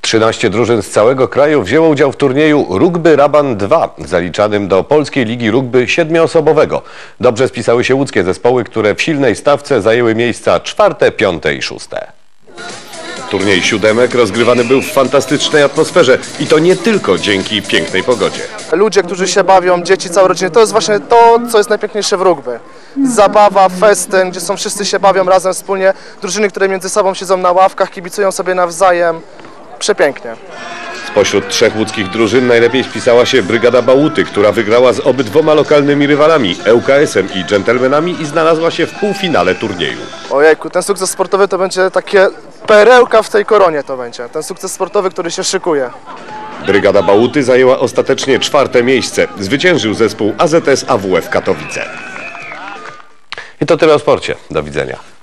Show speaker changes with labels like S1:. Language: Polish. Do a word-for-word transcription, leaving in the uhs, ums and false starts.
S1: trzynaście drużyn z całego kraju wzięło udział w turnieju Rugby Raban dwa, zaliczanym do Polskiej Ligi Rugby siedmioosobowego. Dobrze spisały się łódzkie zespoły, które w silnej stawce zajęły miejsca czwarte, piąte i szóste. Turniej siódemek rozgrywany był w fantastycznej atmosferze i to nie tylko dzięki pięknej pogodzie.
S2: Ludzie, którzy się bawią, dzieci, całe rodziny, to jest właśnie to, co jest najpiękniejsze w rugby. Zabawa, festyn, gdzie są wszyscy się bawią razem wspólnie, drużyny, które między sobą siedzą na ławkach, kibicują sobie nawzajem. Przepięknie.
S1: Spośród trzech łódzkich drużyn najlepiej spisała się Brygada Bałuty, która wygrała z obydwoma lokalnymi rywalami, E U K S-em i Dżentelmenami, i znalazła się w półfinale turnieju.
S2: Ojejku, ten sukces sportowy to będzie takie perełka w tej koronie, to będzie. Ten sukces sportowy, który się szykuje.
S1: Brygada Bałuty zajęła ostatecznie czwarte miejsce. Zwyciężył zespół A Z S A W F Katowice. I to tyle o sporcie. Do widzenia.